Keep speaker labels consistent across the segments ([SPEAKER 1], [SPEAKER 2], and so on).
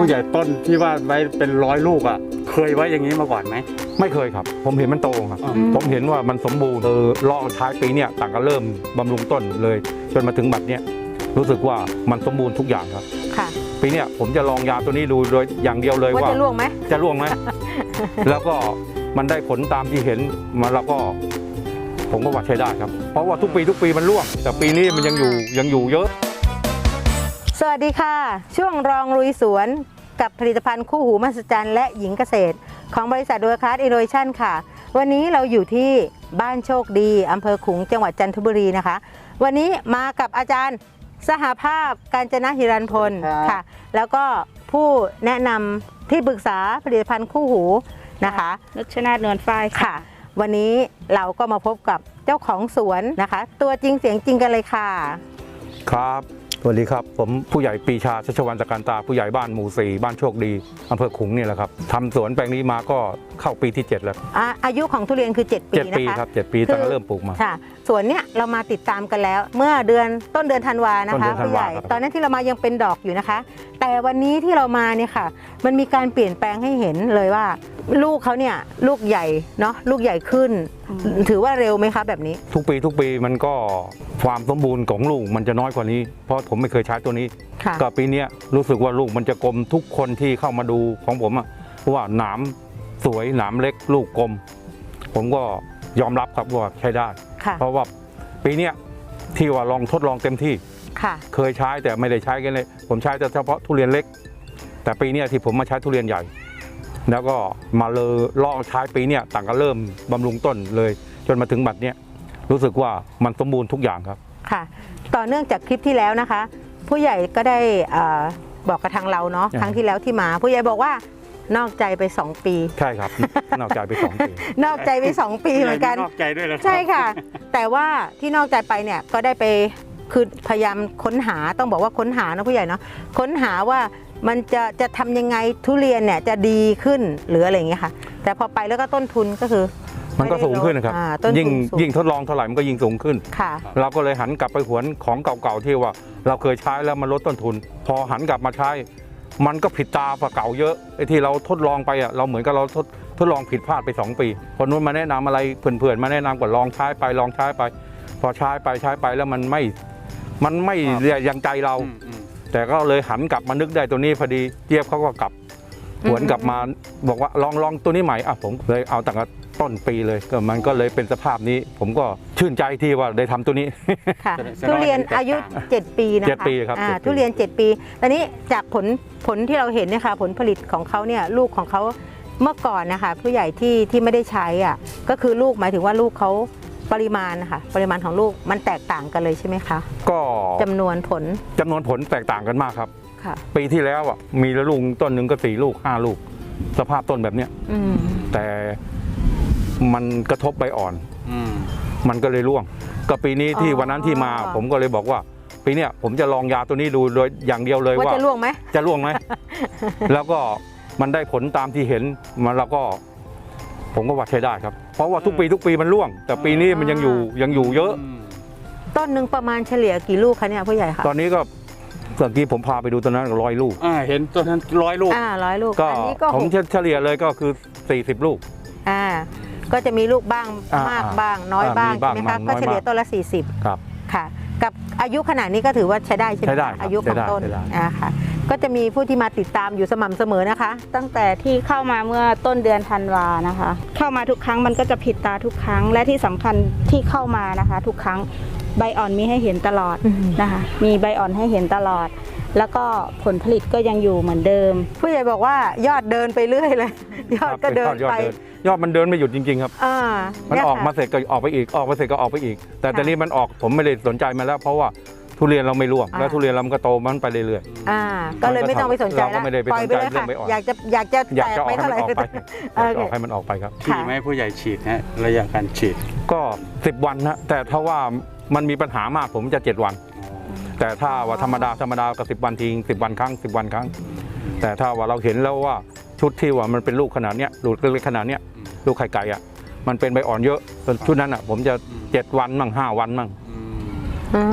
[SPEAKER 1] ผู้ใหญ่ต้นที่ว่าไว้เป็น100 ลูกอ่ะเคยไว้อย่างนี้มาก่อนไหม
[SPEAKER 2] ไม่เคยครับผมเห็นมันโตครับผมเห็นว่ามันสมบูรณ์รอท้ายปีเนี่ยต่างก็เริ่มบำรุงต้นเลยจนมาถึงบัดเนี้ยรู้สึกว่ามันสมบูรณ์ทุกอย่างครับ
[SPEAKER 3] ค่ะ
[SPEAKER 2] ปีเนี้ยผมจะลองยาตัวนี้ดูโดยอย่างเดียวเลยว่า
[SPEAKER 3] จะร่วงไหม
[SPEAKER 2] จะร่วงไหม แล้วก็มันได้ผลตามที่เห็นมาแล้วก็ผมก็ว่าใช้ได้ครับเพราะว่าทุกปีมันร่วงแต่ปีนี้มันยังอยู่เยอะ
[SPEAKER 3] สวัสดีค่ะช่วงรองลุยสวนกับผลิตภัณฑ์คู่หูมหัศจรรย์และหญิงเกษตรของบริษัท World-Class Innovation ค่ะวันนี้เราอยู่ที่บ้านโชคดีอำเภอขลุงจังหวัดจันทบุรีนะคะวันนี้มากับอาจารย์สหภาพกาญจนหิรันพลค่ะแล้วก็ผู้แนะนำที่ปรึกษาผลิตภัณฑ์คู่หูนะคะ
[SPEAKER 4] นุชนาถ นวลฝ้าย
[SPEAKER 3] ค่ะวันนี้เราก็มาพบกับเจ้าของสวนนะคะตัวจริงเสียงจริงกันเลยค่ะ
[SPEAKER 2] ครับสวัสดีครับผมผู้ใหญ่ปีชาชัชวรรณตะการตาผู้ใหญ่บ้านหมู่ 4บ้านโชคดีอำเภอขลุงนี่แหละครับทำสวนแปลงนี้มาก็เข้าปีที่7แล้ว
[SPEAKER 3] อายุของทุเรียนคือ7 ปีนะคะ
[SPEAKER 2] 7 ปีครับ7 ปีตั้งแต่เริ่มปลูกมา
[SPEAKER 3] ค่ะสวนเนี้ยเรามาติดตามกันแล้วเมื่อต้นเดือนธันวานะคะผู้ใหญ่ตอนนั้นที่เรามายังเป็นดอกอยู่นะคะแต่วันนี้ที่เรามาเนี่ยค่ะมันมีการเปลี่ยนแปลงให้เห็นเลยว่าลูกเขาเนี่ยลูกใหญ่เนาะลูกใหญ่ขึ้นถือว่าเร็วไหมคะแบบนี้
[SPEAKER 2] ทุกปีมันก็ความสมบูรณ์ของลูกมันจะน้อยกว่านี้เพราะผมไม่เคยใช้ตัวนี้ก็ปีนี้รู้สึกว่าลูกมันจะกลมทุกคนที่เข้ามาดูของผมอะเพราะว่าหนามสวยหนามเล็กลูกกลมผมก็ยอมรับครับว่าใช้ได้เพราะว่าปีนี้ที่ว่าลองทดลองเต็มที่เคยใช้แต่ไม่ได้ใช้กันเลยผมใช้แต่เฉพาะทุเรียนเล็กแต่ปีนี้ที่ผมมาใช้ทุเรียนใหญ่แล้วก็มาเลยลองใช้ปีนี้ต่างก็เริ่มบำรุงต้นเลยจนมาถึงบัดเนี้ยรู้สึกว่ามันสมบูรณ์ทุกอย่างครับ
[SPEAKER 3] ค่ะต่อเนื่องจากคลิปที่แล้วนะคะผู้ใหญ่ก็ได้บอกกับทางเราเนาะครั้งที่แล้วที่มาผู้ใหญ่บอกว่านอกใจไป2 ปี
[SPEAKER 2] ใช่ครับ นอกใจไป2 ปี
[SPEAKER 3] นอกใจไป2 ปีเหมือนกัน
[SPEAKER 1] นอกใจด้วยนะ
[SPEAKER 3] ใช่ค่ะแต่ว่าที่นอกใจไปเนี่ยก็ได้ไปคือพยายามค้นหาต้องบอกว่าค้นหานะผู้ใหญ่เนาะค้นหาว่ามันจะทำยังไงทุเรียนเนี่ยจะดีขึ้นหรืออะไรอย่างเงี้ยค่ะแต่พอไปแล้วก็ต้นทุนก็คือ
[SPEAKER 2] มันก็สูงขึ้นนะครับยิ่งทดลองเท่าไหร่มันก็ยิ่งสูงขึ้นเราก็เลยหันกลับไปหวนของเก่าๆที่ว่าเราเคยใช้แล้วมันลดต้นทุนพอหันกลับมาใช้มันก็ผิดตาฝ่าเก่าเยอะไอ้ที่เราทดลองไปอ่ะเราเหมือนกับเราทดลองผิดพลาดไป2 ปีคนนู้นมาแนะนำอะไรเพื่อนๆมาแนะนำก็ลองใช้ไปพอใช้ไปแล้วมันไม่ยังใจเราแต่ก็เลยหันกลับมานึกได้ตัวนี้พอดีเจี๊ยบเขาก็กลับหวนกลับมาบอกว่าลองตัวนี้ใหม่ผมเลยเอาตั้งแต่ต้นปีเลยก็มันก็เลยเป็นสภาพนี้ผมก็ชื่นใจที่ว่าได้ทำตัวนี้
[SPEAKER 3] ค่ะทุเรียนอายุ7 ปีนะคะ
[SPEAKER 2] 7 ปีครับ
[SPEAKER 3] ทุเรียน7 ปีตอนนี้จากผลที่เราเห็นเนี่ยค่ะผลผลิตของเขาเนี่ยลูกของเขาเมื่อก่อนนะคะผู้ใหญ่ที่ไม่ได้ใช้อ่ะก็คือลูกหมายถึงว่าลูกเขาปริมาณนะคะปริมาณของลูกมันแตกต่างกันเลยใช่ไหมคะ
[SPEAKER 2] ก็
[SPEAKER 3] จำนวนผล
[SPEAKER 2] แตกต่างกันมากครับปีที่แล้วอ่ะมีลูกต้นหนึ่งก็4 ลูก 5 ลูกสภาพต้นแบบเนี้ยแต่มันกระทบใบอ่อนมันก็เลยร่วงก็ปีนี้ที่วันนั้นที่มาผมก็เลยบอกว่าปีนี้ผมจะลองยาตัวนี้ดูโดยอย่างเดียวเลยว่า
[SPEAKER 3] จะร่วงไหม
[SPEAKER 2] แล้วก็มันได้ผลตามที่เห็นมันแล้วก็ผมก็ว่าใช้ได้ครับเพราะว่าทุกปีมันร่วงแต่ปีนี้มันยังอยู่เยอะ
[SPEAKER 3] ต้นหนึ่งประมาณเฉลี่ยกี่ลูกคะเนี่ยผู้ใหญ่คะ
[SPEAKER 2] ตอนนี้ก็เมื่อกี้ผมพาไปดูต้นนั้น100 ลูก
[SPEAKER 1] เห็นต้นนั้น100 ลูก
[SPEAKER 3] 100 ลูก
[SPEAKER 2] ก็ผมเฉลี่ยเลยก็คือ40 ลูก
[SPEAKER 3] ก็จะมีลูกบ้างมากบ้างน้อยบ้างใช่ไหมคะก็เฉลี่ยต้นละ40
[SPEAKER 2] ครับ
[SPEAKER 3] ค่ะกับอายุขนาดนี้ก็ถือว่าใช้ได้ใช่ไหมอายุของต้นค่ะก็จะมีผู้ที่มาติดตามอยู่สม่ำเสมอนะคะ
[SPEAKER 4] ตั้งแต่ที่เข้ามาเมื่อต้นเดือนธันวานะคะเข้ามาทุกครั้งมันก็จะผิดตาทุกครั้งและที่สำคัญที่เข้ามานะคะทุกครั้งใบอ่อนมีให้เห็นตลอดนะคะมีใบอ่อนให้เห็นตลอดแล้วก็ผลผลิตก็ยังอยู่เหมือนเดิม
[SPEAKER 3] ผู้ใหญ่บอกว่ายอดเดินไปเรื่อยเลยยอดก็เดินไป
[SPEAKER 2] ยอดมันเดินไม่หยุดจริงๆครับมันออกมาเสร็จก็ออกไปอีกออกมาเสร็จก็ออกไปอีกแต่ตอนนี้มันออกผมไม่ได้สนใจมันแล้วเพราะว่าทุเรียนเราไม่ร่วงแล้วทุเรียนเราก็โตมันไปเรื่อย
[SPEAKER 3] ๆก็เลยไม่ต้องไปสนใจแล้วปล่อยไปเลยค่ะอยากจะแตกไปเท่าไหร่
[SPEAKER 2] ก็ให้มันออกไปครับ
[SPEAKER 1] ที่ไม่ผู้ใหญ่ฉีดนะระยะการฉีด
[SPEAKER 2] ก็10 วันนะแต่ถ้าว่ามันมีปัญหามากผมจะ7 วันแต่ถ้าว่าธรรมดาก็10 วันทิ้ง10 วันครั้ง10 วันครั้งแต่ถ้าว่าเราเห็นแล้วว่าชุดที่ว่ามันเป็นลูกขนาดเนี้ยลูกเล็กขนาดเนี้ยลูกไข่ไก่อ่ะมันเป็นใบอ่อนเยอะชุดนั้นอ่ะผมจะ7 วันมั่ง5 วันมั่ง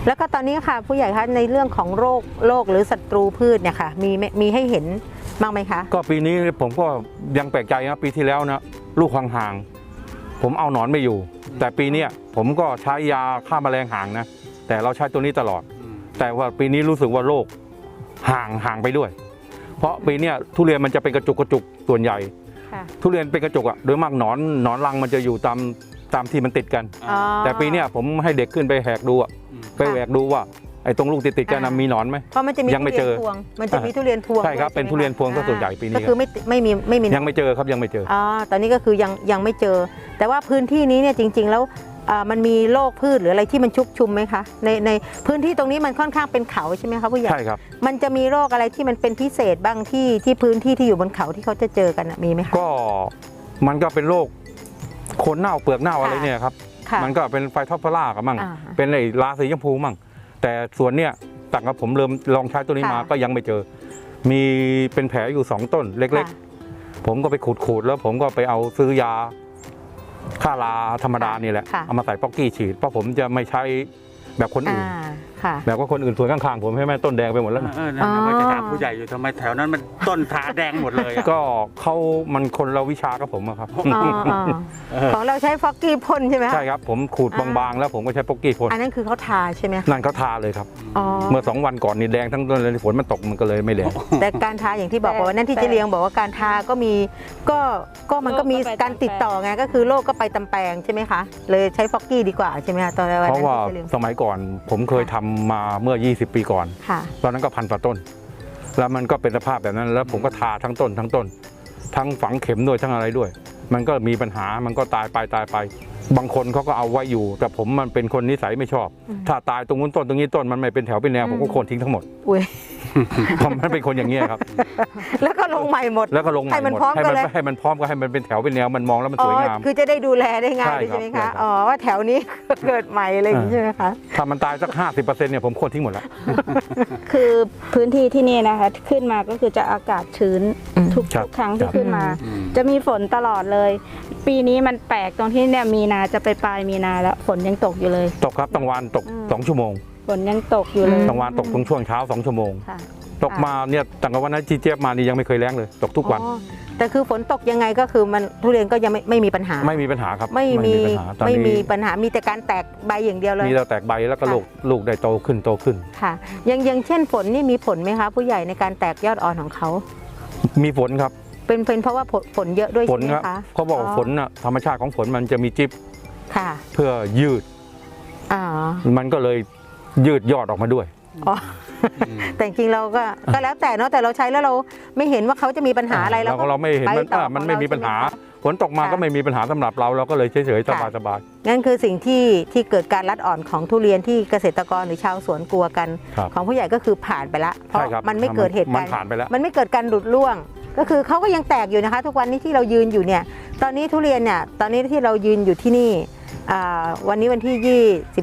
[SPEAKER 3] แล้วก็ตอนนี้ค่ะผู้ใหญ่คะในเรื่องของโรคหรือศัตรูพืชเนี่ยค่ะมีให้เห็นบ้างไหมคะ
[SPEAKER 2] ก็ปีนี้ผมก็ยังแปลกใจนะปีที่แล้วนะลูกห่างๆผมเอาหนอนไม่อยู่ แต่ปีเนี้ยผมก็ใช้ยาฆ่าแมลงห่างนะแต่เราใช้ตัวนี้ตลอด แต่ว่าปีนี้รู้สึกว่าโรคห่างไปด้วย เพราะปีเนี้ยทุเรียนมันจะเป็นกระจุกส่วนใหญ่
[SPEAKER 4] ค่ะ
[SPEAKER 2] ทุเรียนเป็นกระจุกอะโดยมากหนอนรังมันจะอยู่ตามที่มันติดกัน
[SPEAKER 3] อ๋อ
[SPEAKER 2] แต่ปีเนี้ยผมให้เด็กขึ้นไปแหกดูอะไปแหวกดูว่าไอ้ตรงลูกติดกันนะมีหนอนไหม
[SPEAKER 3] เพราะมันจะมี
[SPEAKER 2] ยังไม่
[SPEAKER 3] ทุ
[SPEAKER 2] เจ
[SPEAKER 3] เรี
[SPEAKER 2] อ
[SPEAKER 3] นพวงมันจะมีทุเรียนพวง
[SPEAKER 2] ใช่ครับ
[SPEAKER 3] ด้วย
[SPEAKER 2] เป็นทุเรียนพวงซะส่วนใหญ่ปีนี้
[SPEAKER 3] ก็คือไม่มี
[SPEAKER 2] ยังไม่เจอครับยังไม่เจอ
[SPEAKER 3] อ๋อตอนนี้ก็คือยังไม่เจอ แต่ว่าพื้นที่นี้เนี่ยจริง ๆ แล้วมันมีโรคพืชหรืออะไรที่มันชุกชุมไหมคะในพื้นที่ตรงนี้มันค่อนข้างเป็นเขาใช่ไหมคะผู้ใหญ่
[SPEAKER 2] ใช่ครับ
[SPEAKER 3] มันจะมีโรคอะไรที่มันเป็นพิเศษบ้างที่พื้นที่ที่อยู่บนเขาที่เขาจะเจอกันมีไหมคะ
[SPEAKER 2] ก็มันก็เป็นโรคโคนเน่าเปลือกเน่าอะไรเนี่ยครับ
[SPEAKER 3] ค่ะ
[SPEAKER 2] มันก็เป็นไฟท็อปพลากับมั่ง
[SPEAKER 3] อ่า
[SPEAKER 2] เป็นไอ้ราสีชมพูมั่ง แต่ส่วนเนี้ยต่างกับผมเริ่มลองใช้ตัวนี้มา
[SPEAKER 3] ค่ะ
[SPEAKER 2] ก็ยังไม่เจอ มีเป็นแผลอยู่2ต้นเล็ก
[SPEAKER 3] ค่ะ
[SPEAKER 2] ๆ ผมก็ไปขูดแล้วผมก็ไปเอาซื้อยาฆ่าราธรรมดานี่แหละ
[SPEAKER 3] ค่ะ
[SPEAKER 2] เอามาใส่ป๊อกกี้ฉีดเพราะผมจะไม่ใช้แบบคนอื่น
[SPEAKER 3] ค่ะ
[SPEAKER 2] แบบว่าคนอื่นสวนข้างๆผมให้แม่ต้นแดงไปหมดแล้วนะ
[SPEAKER 1] นั่นนะว่าจะถามผู้ใหญ่อยู่ทำไมแถวนั้นมันต้นทาแดงหมดเลยอะ
[SPEAKER 2] ก็มันคนละวิชากับผมอะครับ
[SPEAKER 3] ของเราใช้ฟอกกี้พ่นใช่ไหมคะ
[SPEAKER 2] ใช่ครับผมขูดบางๆแล้วผมก็ใช้ป๊อกกี้พ่น
[SPEAKER 3] อันนั้นคือเขาทาใช่ไหมคะ
[SPEAKER 2] นั่นเขาทาเลยครับ
[SPEAKER 3] อ๋อ
[SPEAKER 2] เมื่อ2 วันก่อนนี่แดงทั้งต้นเลยฝนมันตกมันก็เลยไม่แดง
[SPEAKER 3] แต่การทาอย่างที่บอกว่านั่นที่เจเลียงบอกว่าการทาก็มีก็มันก็มีการติดต่อไงก็คือโรคก็ไปตามแปลงใช่ไหมคะเลยใช้ฟอกกี้ดีกว่าใช่ไหมคะตอนวัน
[SPEAKER 2] เพ
[SPEAKER 3] นั้น
[SPEAKER 2] ราะว่า
[SPEAKER 3] ที่เจเลียง
[SPEAKER 2] สมัยก่อนผมเคยทำมาเมื่อ 20 ปีก่อน
[SPEAKER 3] ค่ะ
[SPEAKER 2] ตอนนั้นก็1,000 กว่าต้น แล้วมันก็เป็นสภาพแบบนั้นแล้วผมก็ทาทั้งต้นทั้งฝังเข็มด้วยทั้งอะไรด้วย มันก็มีปัญหามันก็ตายไปบางคนเขาก็เอาไว้อยู่ แต่ผมมันเป็นคนนิสัยไม่ชอบ ถ้าตายตรงนู้นต้นตรงนี้ต้นมันไม่เป็นแถวเป็นแนวผมก็โค่นทิ้งทั้งหมด
[SPEAKER 3] อุ้ย
[SPEAKER 2] ผมมันเป็นคนอย่างนี้ยครับ
[SPEAKER 3] แล้วก็ลงใหม่หมด
[SPEAKER 2] แล้วก็ลงใหม่
[SPEAKER 3] ให้มัน
[SPEAKER 2] หมด
[SPEAKER 3] พร้อมกันเลย
[SPEAKER 2] ให้มันพร้อมก็ให้มันเป็นแถวเป็นแนวมันมองแล้วมันสวยงาม
[SPEAKER 3] คือจะได้ดูแลได้ง่าย
[SPEAKER 2] ใช่
[SPEAKER 3] ด้วย
[SPEAKER 2] ครับ
[SPEAKER 3] ใช่ไหม
[SPEAKER 2] ใช่ครั
[SPEAKER 3] คะ
[SPEAKER 2] บ
[SPEAKER 3] อ๋อว่าแถวนี้ เกิดใหม่อะไรอย่างนี้ใช่ไหมคะ
[SPEAKER 2] ถ้ามันตายสัก 50%เนี่ยผมโค่นทิ้งหมดแล้ว
[SPEAKER 4] คือพื้นที่ที่นี่นะคะขึ้นมาก็คือจะอากาศชื้น
[SPEAKER 3] อืม
[SPEAKER 4] ทุก
[SPEAKER 2] ครับ
[SPEAKER 4] ครั้งที่
[SPEAKER 2] ครับ
[SPEAKER 4] ขึ้นมา จะมีฝนตลอดเลย ปีนี้มันแปลกตรงที่เนี่ยมีนาจะไปปลายมีนาแล้วฝนยังตกอยู่เลย
[SPEAKER 2] ตกครับต้องวานตก
[SPEAKER 4] อืม
[SPEAKER 2] 2 ชั่วโมง
[SPEAKER 4] ฝนยังตกอยู่เลย
[SPEAKER 2] ต้องวานตกตรงช่วงเช้า2 ชั่วโมง
[SPEAKER 4] ค่ะ
[SPEAKER 2] ตกมาเนี่ยตั้งแต่วันนั้นจีเจี๊ยบมานี่ยังไม่เคยแล้งเลย ตกทุกวัน
[SPEAKER 3] อ๋อแต่คือฝนตกยังไงก็คือมันทุเรียนก็ยังไม่มีปัญหา
[SPEAKER 2] ไม่มีปัญหาครับ
[SPEAKER 3] ไม่มี
[SPEAKER 2] ปัญหาตอน
[SPEAKER 3] ไม่มี
[SPEAKER 2] นี้
[SPEAKER 3] ปัญหามีแต่การแตกใบอย่างเดียวเลย
[SPEAKER 2] มีแต่แตกใบแล้วก็
[SPEAKER 3] ค่ะ
[SPEAKER 2] ลูกได้โตขึ้น
[SPEAKER 3] ค่ะอย่างเช่นฝนนี่มีผลไหมคะผู้ใหญ่ในการแตกยอดอ่อนของเขา
[SPEAKER 2] มีฝนครับ
[SPEAKER 3] เป็นเพราะว่าฝนเยอะด้วย
[SPEAKER 2] ฝ
[SPEAKER 3] ใช่
[SPEAKER 2] น
[SPEAKER 3] ไหม
[SPEAKER 2] ครับ
[SPEAKER 3] คะ
[SPEAKER 2] เขาบอกว่าฝนน่ะธรรมชาติของฝนมันจะมีจิ๊บ
[SPEAKER 3] ค่ะ
[SPEAKER 2] เพื่อยืด
[SPEAKER 3] อ๋อ
[SPEAKER 2] มันก็เลยยืดยอดออกมาด้วย
[SPEAKER 3] อ๋อแต่จริงๆเราก็แล้วแต่เนาะแต่เราใช้แล้วเราไม่เห็นว่าเขาจะมีปัญหาอะไร
[SPEAKER 2] เราไม่เห็น
[SPEAKER 3] ไป
[SPEAKER 2] มัน
[SPEAKER 3] ต่อ
[SPEAKER 2] มันไม่
[SPEAKER 3] ของเร
[SPEAKER 2] มีปัญหา
[SPEAKER 3] ใช่ไมคะ
[SPEAKER 2] ฝนตกมา
[SPEAKER 3] ค่ะ
[SPEAKER 2] ก็ไม่มีปัญหาสำหรับเราก็เลยเฉยๆ
[SPEAKER 3] ค่ะ
[SPEAKER 2] สบาย
[SPEAKER 3] นั่นคือสิ่งที่เกิดการรัดอ่อนของทุเรียนที่เกษตรกรหรือชาวสวนกลัวกัน
[SPEAKER 2] ครับ
[SPEAKER 3] ของผู้ใหญ่ก็คือผ่านไปละเพราะ
[SPEAKER 2] ใช่ครับ
[SPEAKER 3] มันไม่เกิดเหตุ
[SPEAKER 2] มั
[SPEAKER 3] การ
[SPEAKER 2] น
[SPEAKER 3] ณ์
[SPEAKER 2] ผ่านไปแล้ว
[SPEAKER 3] มันไม่เกิดการหลุดร่วง ก็คือเขาก็ยังแตกอยู่นะคะ ทุกวันนี้ที่เรายืนอยู่เนี่ยตอนนี้ทุเรียนเนี่ยตอนนี้ที่เรายืนอยู่ที่นี่วันนี้วันที่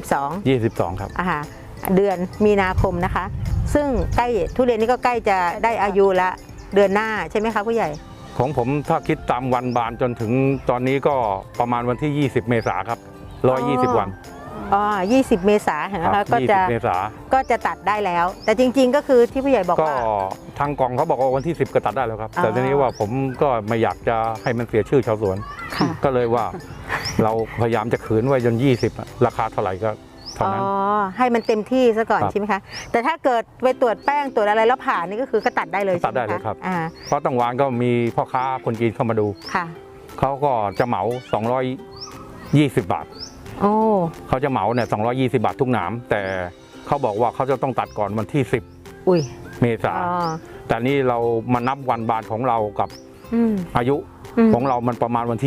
[SPEAKER 3] 22
[SPEAKER 2] 22 ครับ
[SPEAKER 3] เดือนมีนาคมนะคะ ซึ่งใกล้ทุเรียนนี้ก็ใกล้จะได้อายุละเดือนหน้าใช่ไหมคะผู้ใหญ่
[SPEAKER 2] ของผมถ้าคิดตามวันบานจนถึงตอนนี้ก็ประมาณวันที่ 20 เมษาครับ 120 วัน
[SPEAKER 3] อ๋อ20 เมษายน
[SPEAKER 2] ครั
[SPEAKER 3] นะคะก็จะ
[SPEAKER 2] 20 เมษา
[SPEAKER 3] ก็จะตัดได้แล้ว แต่จริงๆก็คือที่ผู้ใหญ่บอก
[SPEAKER 2] ก็
[SPEAKER 3] ว่า
[SPEAKER 2] ทางกองเขาบอกว่าวันที่ 10 ก็ตัดได้แล้วครับ
[SPEAKER 3] อ๋อ
[SPEAKER 2] แต่ทีนี้ว่าผมก็ไม่อยากจะให้มันเสียชื่อชาวสวน
[SPEAKER 3] ค่ะ
[SPEAKER 2] ก็เลยว่า เราพยายามจะขืนไว้จน 20อะราคาเท่าไหร่ก็เท่านั้น
[SPEAKER 3] อ๋อให้มันเต็มที่ซะก่อน
[SPEAKER 2] ครับ
[SPEAKER 3] ใช่ไหมคะแต่ถ้าเกิดไปตรวจแป้งตรวจอะไรแล้วผ่านนี่ก็คือก็ตัดได้เลย
[SPEAKER 2] ตัดได้เลย
[SPEAKER 3] ใช่หมะ
[SPEAKER 2] ครับ
[SPEAKER 3] อ่า
[SPEAKER 2] เพราะตั้งวานก็มีพ่อค้าคนจีนเข้ามาดู
[SPEAKER 3] ค่ะ
[SPEAKER 2] เขาก็จะเหมา 220 บาท
[SPEAKER 3] โอ้
[SPEAKER 2] เขาจะเหมาเนี่ย220 บาททุกหนาม แต่เขาบอกว่าเขาจะต้องตัดก่อนวันที่
[SPEAKER 3] อุ้ย
[SPEAKER 2] 10 เมษา
[SPEAKER 3] อ๋อ
[SPEAKER 2] แต่นี่เรามานับวันบานของเรากับ
[SPEAKER 3] อืม
[SPEAKER 2] อายุ
[SPEAKER 3] อืม
[SPEAKER 2] ของเรามันประมาณวันที่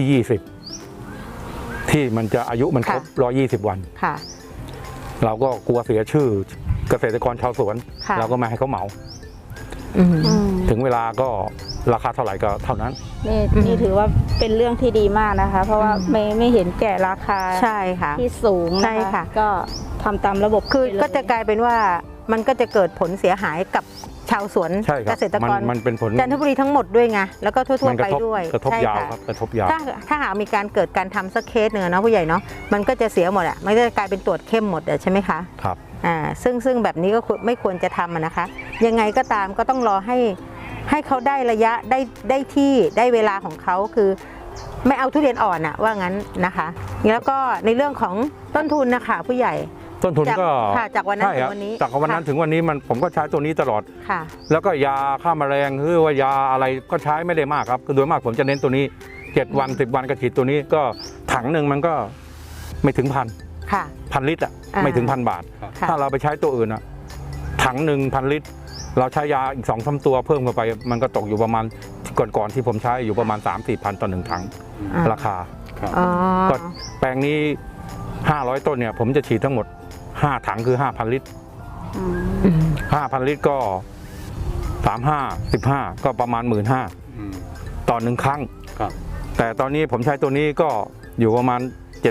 [SPEAKER 2] 20 ที่มันจะอายุมันครบ 120 วัน
[SPEAKER 3] ค่ะ
[SPEAKER 2] เราก็กลัวเสียชื่อเกษตรกรชาวสวน
[SPEAKER 3] ค่ะ
[SPEAKER 2] เราก็ไม่ให้เขาเหมา
[SPEAKER 3] อืม
[SPEAKER 2] ถึงเวลาก็ราคาเท่าไหร่ก็เท่านั้น
[SPEAKER 4] นี่
[SPEAKER 3] อืม
[SPEAKER 4] นี่ถือว่าเป็นเรื่องที่ดีมากนะคะ เพราะว่า
[SPEAKER 3] อืม
[SPEAKER 4] ไม่เห็นแก่ราคา
[SPEAKER 3] ใช่ค่ะ
[SPEAKER 4] ที่สูง
[SPEAKER 3] ใช่
[SPEAKER 4] นะคะ
[SPEAKER 3] ค่ะ
[SPEAKER 4] ก็ทำตามระบบ
[SPEAKER 3] คือ
[SPEAKER 4] ไปเลย
[SPEAKER 3] ก็จะกลายเป็นว่ามันก็จะเกิดผลเสียหายกับชาวสวน
[SPEAKER 2] ใช่ค
[SPEAKER 3] เก
[SPEAKER 2] รับ
[SPEAKER 3] ษตรกร
[SPEAKER 2] มันเป็นผล
[SPEAKER 3] จันทบุรีทั้งหมดด้วยไงแล้วก็ทั่ว
[SPEAKER 2] มั
[SPEAKER 3] ๆ
[SPEAKER 2] ก
[SPEAKER 3] ไประ
[SPEAKER 2] ทบ
[SPEAKER 3] ด้วย
[SPEAKER 2] กระทบ
[SPEAKER 3] ใช่
[SPEAKER 2] ยาว
[SPEAKER 3] ค่ะ
[SPEAKER 2] ครับกระทบยาว
[SPEAKER 3] ถ้าหากมีการเกิดการทำสักเคสหนึ่งอะเนาะผู้ใหญ่เนาะมันก็จะเสียหมดอ่ะมันก็จะกลายเป็นตรวจเข้มหมดอะใช่ไหมคะ
[SPEAKER 2] ครับ
[SPEAKER 3] ซึ่งแบบนี้ก็ไม่ควรจะทำนะคะ ยังไงก็ตามก็ต้องรอให้เขาได้ระยะได้ที่ได้เวลาของเขาคือไม่เอาทุเรียนอ่อนอะว่างั้นนะคะแล้วก็ในเรื่องของต้นทุนนะคะผู้ใหญ่
[SPEAKER 2] ต้นทุนก็
[SPEAKER 3] จากวันนั้นถึงวันนี้
[SPEAKER 2] จากวันนั้นถึงวันนี้ผมก็ใช้ตัวนี้ตลอด
[SPEAKER 3] ค่ะ
[SPEAKER 2] แล้วก็ยาฆ่าแมลงหรือว่ายาอะไรก็ใช้ไม่ได้มากครับคือโดยมากผมจะเน้นตัวนี้7 วัน 10 วันก็ฉีดตัวนี้ก็ถังหนึ่งมันก็ไม่ถึง1,000
[SPEAKER 3] ค่ะ
[SPEAKER 2] 1,000 ลิตรไม่ถึง1,000 บาท
[SPEAKER 3] ค่ะ
[SPEAKER 2] ถ้าเราไปใช้ตัวอื่นถังหนึ่ง1,000 ลิตร เราใช้ยาอีก 2-3 ตัวเพิ่มเข้าไปมันก็ตกอยู่ประมาณก่อนที่ผมใช้อยู่ประมาณ 3-4 พันต่อ1ถังราคา
[SPEAKER 3] อ๋อ
[SPEAKER 2] ก็แปลงนี้500 ต้นเนี่ยผมจะฉีดทั้งหมด5 ถังคือ 5,000 ลิตร 5,000 ลิตรก็35 15ก็ประมาณ 15,000 ต่อ1ครั้งแต่ตอนนี้ผมใช้ตัวนี้ก็อยู่ประมาณ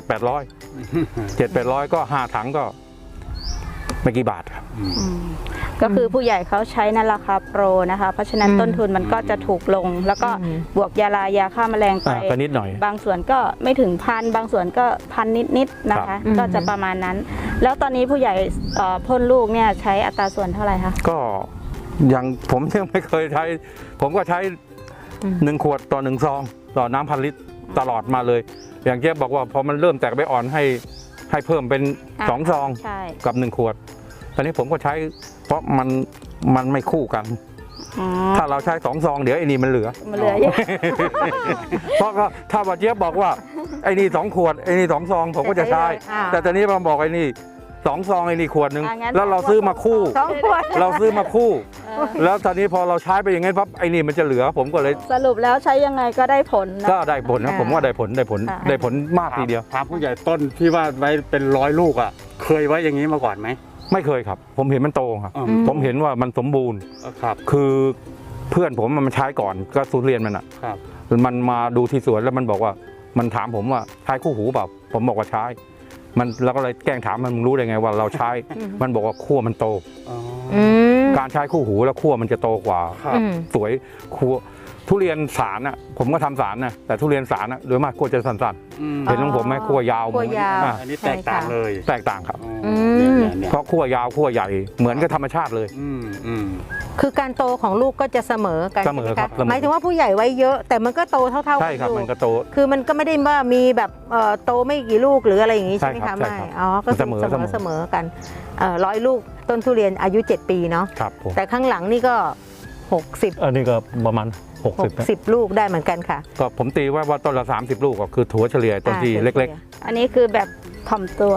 [SPEAKER 2] 700-800 ก็5 ถังก็ไม่กี่บาทครับ
[SPEAKER 4] ก็คือผู้ใหญ่เขาใช้ในราคาโปรนะคะเพราะฉะนั้นต้นทุนมันก็จะถูกลง แล้วก็บวกยาฆ่าแมลงไป
[SPEAKER 2] ก็นิดหน่อย
[SPEAKER 4] บางส่วนก็ไม่ถึง1,000บางส่วนก็1,000นิดๆนะคะก็จะประมาณนั้น แล้วตอนนี้ผู้ใหญ่พ่นลูกเนี่ยใช้อัตราส่วนเท่าไหร่คะ
[SPEAKER 2] ก็อย่างผมยังไม่เคยใช้ผมก็ใช้1 ขวดต่อ1 ซองต่อน้ำ1,000 ลิตรตลอดมาเลย อย่างเจ๊บอกว่าพอมันเริ่มแตกใบอ่อนให้เพิ่มเป็น2 ซองกับ1 ขวดตอนนี้ผมก็ใช้เพราะมันไม่คู่กันถ้าเราใช้2 ซองเดี๋ยวไอ้นี่มันเหลือ
[SPEAKER 4] เย
[SPEAKER 2] เยอะ
[SPEAKER 4] อะ
[SPEAKER 2] เพราะก็ถ้าว่าเจ๊บอกว่าไอ้นี่2 ขวดไอ้นี่2 ซองผมก็จะใช้แต่ตอนนี้มาบอกไอ้นี่2 ซองไอ้นี่ขวดนึงแล้วเราซื้อมาคู่เราซื้อมาคู่แล้วตอนนี้พอเราใช้ไปอย่างงั้นปั๊บไอ้นี่มันจะเหลือผมก็เลย
[SPEAKER 4] สรุปแล้วใช้ยังไงก็ได้ผลนะ
[SPEAKER 2] ก็ได้ผลนะผมว่าได้ผลมากทีเดียว
[SPEAKER 1] ถามผู้ใหญ่ต้นที่ว่าไว้เป็น100 ลูกอ่ะเคยไว้อย่างนี้มาก่อนไหม
[SPEAKER 2] ไม่เคยครับผมเห็นมันโตครับผมเห็นว่ามันสมบูรณ์
[SPEAKER 1] ครับ
[SPEAKER 2] คือเพื่อนผมมันใช้ก่อนก็ทุเรียนมันอ่ะมันมาดูที่สวนแล้วมันบอกว่ามันถามผมว่าใช้คู่หูเปล่าผมบอกว่าใช้มันเราก็เลยแกล้งถามมันมึงรู้ได้ไงว่าเราใช้มันบอกว่าขั้วมันโตการใช้คู่หูแล้วขั้วมันจะโตกว่าสวยขั้วทุเรียนสารน่ะผมก็ทำสารนะแต่ทุเรียนสารน่ะโดยมากขั้วจะสั้นๆเห็นของผมไหมขั้วยาว
[SPEAKER 1] อันนี้แตกต่างเลย
[SPEAKER 2] แตกต่างครับเพราะขั้วยาวขั้วใหญ่เหมือนกับธรรมชาติเลย
[SPEAKER 3] คือการโตของลูกก็จะเสมอกัน
[SPEAKER 2] เสมอครับ
[SPEAKER 3] หมายถึงว่าผู้ใหญ่ไว้เยอะแต่มันก็โตเท่าๆกัน
[SPEAKER 2] ใช่ครับมันก็โต
[SPEAKER 3] คือมันก็ไม่ได้ว่ามีแบบโตไม่กี่ลูกหรืออะไรอย่างนี้ใช่ไหมคะไม่ก็เสมอกัน100 ลูกต้นทุเรียนอายุ7 ปีเนาะแต่ข้างหลังนี่ก็60
[SPEAKER 2] อันนี้ก็ประมาณ
[SPEAKER 3] 60 ลูกได้เหมือนกันค่ะ
[SPEAKER 2] ก็ผมตีว่าต้นละ30 ลูกก็คือถั่วเฉลี่ยต้นที่เล็ก
[SPEAKER 4] ๆอันนี้คือแบบถ่อมตัว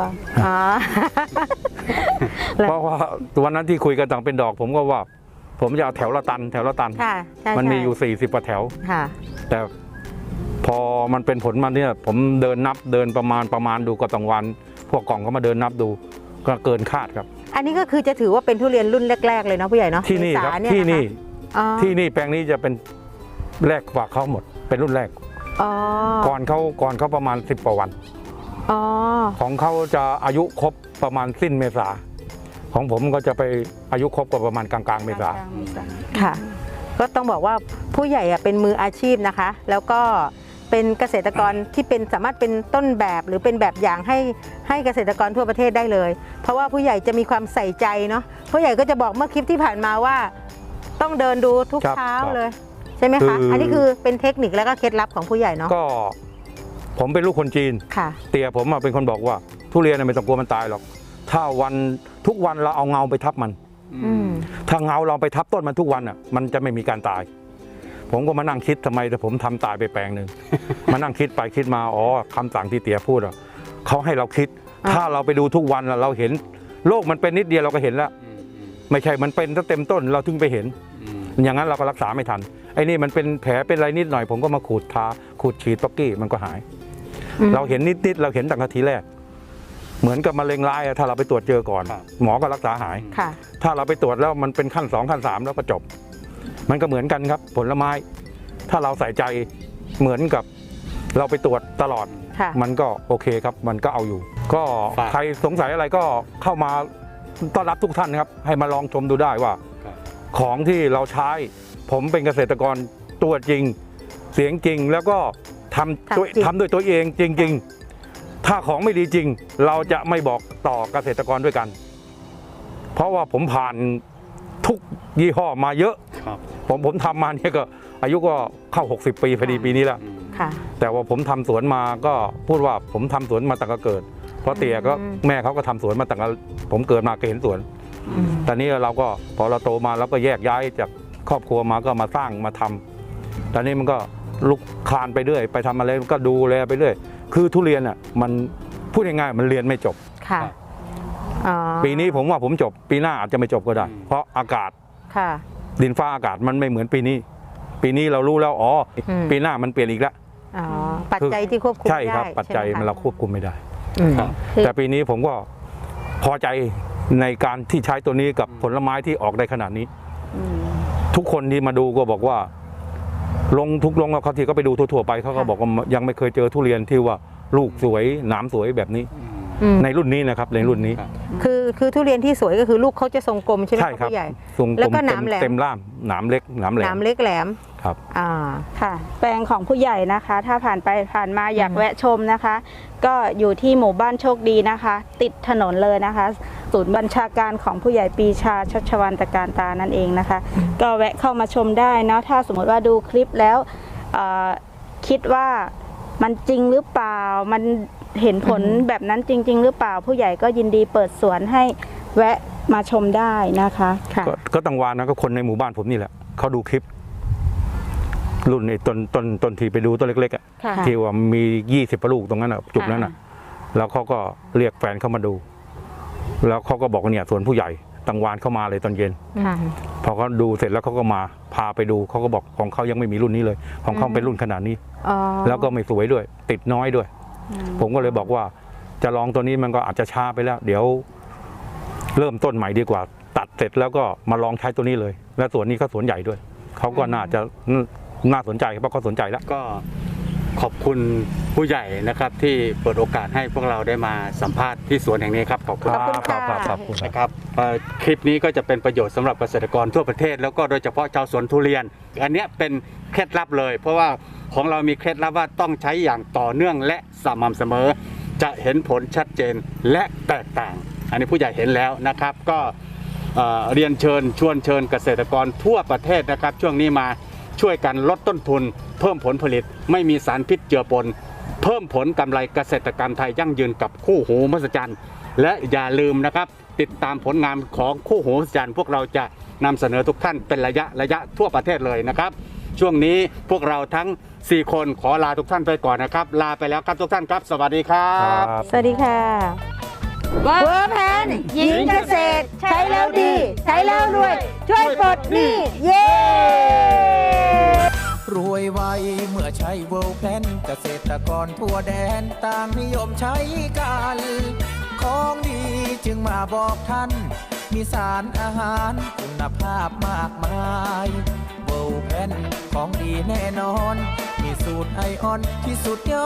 [SPEAKER 2] เพราะว่าวันนั้นที่คุยกันต่างเป็นดอกผมก็ว่าผมจะเอาแถวละตันมันมีอยู่40 กว่าแถวแต่พอมันเป็นผลมาเนี่ยผมเดินประมาณดูก็ต้องวันพวกกล่องก็มาเดินนับดูก็เกินคาดครับ
[SPEAKER 3] อันนี้ก็คือจะถือว่าเป็นทุเรียนรุ่นแรกๆเลยเนาะผู้ใหญ่เนาะ
[SPEAKER 2] ที่นี่ครับที่นี่แปลงนี้จะเป็นแรกกว่าเขาหมดเป็นรุ่นแรกก่อนเขาประมาณ10 กว่าวันของเขาจะอายุครบประมาณสิ้นเมษาของผมก็จะไปอายุครบกว่าประมาณกลางเมษา
[SPEAKER 3] ค่ะก็ต้องบอกว่าผู้ใหญ่เป็นมืออาชีพนะคะแล้วก็เป็นเกษตรกรที่สามารถเป็นต้นแบบหรือเป็นแบบอย่างให้เกษตรกรทั่วประเทศได้เลยเพราะว่าผู้ใหญ่จะมีความใส่ใจเนาะผู้ใหญ่ก็จะบอกเมื่อคลิปที่ผ่านมาว่าต้องเดินดูทุกเช้าเลยใช่ไหมคะอันนี้คือเป็นเทคนิคและก็เคล็ดลับของผู้ใหญ่เนาะ
[SPEAKER 2] ก็ผมเป็นลูกคนจีนเตี่ยผมเป็นคนบอกว่าทุเรียนไม่ต้องกลัวมันตายหรอกถ้าทุกวันเราเอาเงาไปทับมันถ้าเงาเราไปทับต้นมันทุกวันมันจะไม่มีการตายผมก็มานั่งคิดทำไมแต่ผมทำตายไปแปลงหนึ่งมานั่งคิดไปคิดมาคำสั่งที่เตี๋ยพูดเขาให้เราคิดถ้าเราไปดูทุกวันเราเห็นโลกมันเป็นนิดเดียวเราก็เห็นแล้วไม่ใช่มันเป็นตั้งเต็มต้นเราถึงไปเห็นอย่างนั้นเราก็รักษาไม่ทันไอ้นี่มันเป็นแผลเป็นอะไรนิดหน่อยผมก็มาขูดฉีดป๊อกกี้มันก็หายเราเห็นนิดเราเห็นตั้งแต่ทีแรกเหมือนกับมะเร็งร้ายถ้าเราไปตรวจเจอก่อนหมอก็รักษาหายถ้าเราไปตรวจแล้วมันเป็นขั้น2 ขั้น 3แล้วก็จบมันก็เหมือนกันครับผลไม้ถ้าเราใส่ใจเหมือนกับเราไปตรวจตลอดมันก็โอเคครับมันก็เอาอยู่ก็ใครสงสัยอะไรก็เข้ามาต้อนรับทุกท่านครับให้มาลองชมดูได้ว่าของที่เราใช้ผมเป็นเกษตรกรตัวจริงเสียงจริงแล้วก็ทำด้วยตัวเองจริงๆถ้าของไม่ดีจริงเราจะไม่บอกต่อเกษตรกรด้วยกันเพราะว่าผมผ่านทุกยี่ห้อมาเยอะ
[SPEAKER 1] ครับ
[SPEAKER 2] ผมทำมาเนี่ยก็อายุก็เข้า60 ปีพอดีปีนี้แล้ว
[SPEAKER 3] ค่ะ
[SPEAKER 2] แต่ว่าผมทำสวนมาก็พูดว่าผมทำสวนมาตั้งแต่เกิด เพราะเตี่ยก็แม่เขาก็ทำสวนมาตั้งแต่ผมเกิดมาก็เห็นสวน ตอนนี้เราก็พอเราโตมาเราก็แยกย้ายจากครอบครัวมาก็มาสร้างมาทำตอนนี้มันก็ลุกคลานไปเรื่อยไปทำอะไรก็ดูแลไปเรื่อยคือทุเรียนอ่ะมันพูดง่ายๆมันเรียนไม่จบ
[SPEAKER 3] ค่ะอ๋อ
[SPEAKER 2] ปีนี้ผมว่าผมจบปีหน้าอาจจะไม่จบก็ได้ เพราะอากาศ
[SPEAKER 3] ค่ะ
[SPEAKER 2] ดินฟ้าอากาศมันไม่เหมือนปีนี้ ปีนี้เรารู้แล้วอ๋อ ปีหน้ามันเปลี่ยนอีกแล้ว
[SPEAKER 3] อ๋อปัจจัยที่ควบคุม
[SPEAKER 2] ใช่ครับ
[SPEAKER 3] ได้
[SPEAKER 2] ปัจจัย
[SPEAKER 3] ใช่ไห
[SPEAKER 2] มันเราควบคุมไม่ได้
[SPEAKER 3] อืม
[SPEAKER 1] ครับ
[SPEAKER 2] แต่ปีนี้ผมก็พอใจในการที่ใช้ตัวนี้กับผลไม้ที่ออกได้ขนาดนี้ ทุกคนที่มาดูก็บอกว่าลงทุกลงเขาที่ก็ไปดูทั่วๆไปเขาก็บอกว่ายังไม่เคยเจอทุเรียนที่ว่าลูกสวยหนามสวยแบบนี้
[SPEAKER 3] อืม
[SPEAKER 2] ในรุ่นนี้นะครับในรุ่นนี้
[SPEAKER 3] คือทุเรียนที่สวยก็คือลูกเขาจะทรงกลมใช่ไหม
[SPEAKER 2] ใช่
[SPEAKER 3] ครับ
[SPEAKER 2] ครับ
[SPEAKER 3] ผู้ใหญ่
[SPEAKER 2] ทรงก
[SPEAKER 3] แล้
[SPEAKER 2] ล
[SPEAKER 3] ว
[SPEAKER 2] ม
[SPEAKER 3] ก็หนามแหลม
[SPEAKER 2] เต็มล่ามหนามเล็กหนามแหล
[SPEAKER 3] หนาม มเล็กแหลม
[SPEAKER 2] ครับ
[SPEAKER 3] อ่า
[SPEAKER 4] ค่ะ แปลงของผู้ใหญ่นะคะ ถ้าผ่านไปผ่านมาอยากแวะชมนะคะ ก็อยู่ที่หมู่บ้านโชคดีนะคะ ติดถนนเลยนะคะ ศูนย์บัญชาการของผู้ใหญ่ปีชาชัชวันตะการตานั่นเองนะคะ ก็แวะเข้ามาชมได้เนาะถ้าสมมติว่าดูคลิปแล้วคิดว่ามันจริงหรือเปล่ามันเห็นผลแบบนั้นจริง ๆ หรือเปล่าผู้ใหญ่ก็ยินดีเปิดสวนให้แวะมาชมได้นะคะ
[SPEAKER 3] ค่ะ
[SPEAKER 2] ก็ตังวานนะก็คนในหมู่บ้านผมนี่แหละเขาดูคลิป รุ่นไอ้ต้นที่ไปดูต้นเล็กๆอ่ะ
[SPEAKER 3] ค่ะ
[SPEAKER 2] ที่ว่ามี20ลูกตรงนั้นอ่ะจุดนั้นอ่ะ แล้วเขาก็เรียกแฟนเข้ามาดู แล้วเขาก็บอกว่าเนี่ยสวนผู้ใหญ่ตังวานเข้ามาเลยตอนเย็น
[SPEAKER 3] ค่ะ
[SPEAKER 2] พอเขาดูเสร็จแล้วเขาก็มาพาไปดูเขาก็บอกของเขายังไม่มีรุ่นนี้เลย ของเขาเป็นรุ่นขนาดนี้
[SPEAKER 3] อ๋อ
[SPEAKER 2] แล้วก็ไม่สวยด้วย ติดน้อยด้วย ผมก็เลยบอกว่าจะลองตัวนี้มันก็อาจจะช้าไปแล้ว เดี๋ยว เริ่มต้นใหม่ดีกว่า ตัดเสร็จแล้วก็มาลองใช้ตัวนี้เลย และสวนนี้ก็สวนใหญ่ด้วยเขาก็น่าจะน่าสนใจเพราะเขาสนใจแล้ว
[SPEAKER 1] ก็ขอบคุณผู้ใหญ่นะครับที่เปิดโอกาสให้พวกเราได้มาสัมภาษณ์ที่สวนแห่งนี้ครับขอบคุณ
[SPEAKER 3] ขอบคุณค่ะ
[SPEAKER 2] ครับครับ
[SPEAKER 1] นะครับคลิปนี้ก็จะเป็นประโยชน์สำหรับเกษตรกรทั่วประเทศ แล้วก็โดยเฉพาะชาวสวนทุเรียน อันเนี้ยเป็นเคล็ดลับเลย เพราะว่าของเรามีเคล็ดลับว่าต้องใช้อย่างต่อเนื่องและสม่ำเสมอ จะเห็นผลชัดเจนและแตกต่าง อันนี้ผู้ใหญ่เห็นแล้วนะครับ ก็เรียนเชิญชวนเชิญเกษตรกรทั่วประเทศนะครับ ช่วงนี้มาช่วยกันลดต้นทุน เพิ่มผลผลิต ไม่มีสารพิษเจือปน เพิ่มผลกำไรเกษตรกรรมไทยยั่งยืนกับคู่หูมหัศจรรย์และอย่าลืมนะครับ ติดตามผลงานของคู่หูมหัศจรรย์พวกเราจะนำเสนอทุกท่านเป็นระยะทั่วประเทศเลยนะครับ ช่วงนี้พวกเราทั้ง 4 คนขอลาทุกท่านไปก่อนนะครับ ลาไปแล้วครับทุกท่านครับ สวัสดีครับ
[SPEAKER 3] สวัสดีค่ะเวอร์แพนหญิงเกษตร ใช้แล้วดี ใช้แล้วรวย ช่วยปลดหนี้เย้
[SPEAKER 5] รวยไวเมื่อใช้เวิลด์แพลนเกษตรกรทั่วแดนต่างนิยมใช้กัน ของดีจึงมาบอกท่าน มีสารอาหารคุณภาพมากมายเวิลด์แพลนของดีแน่นอน มีสูตรไอออนที่สุดยอด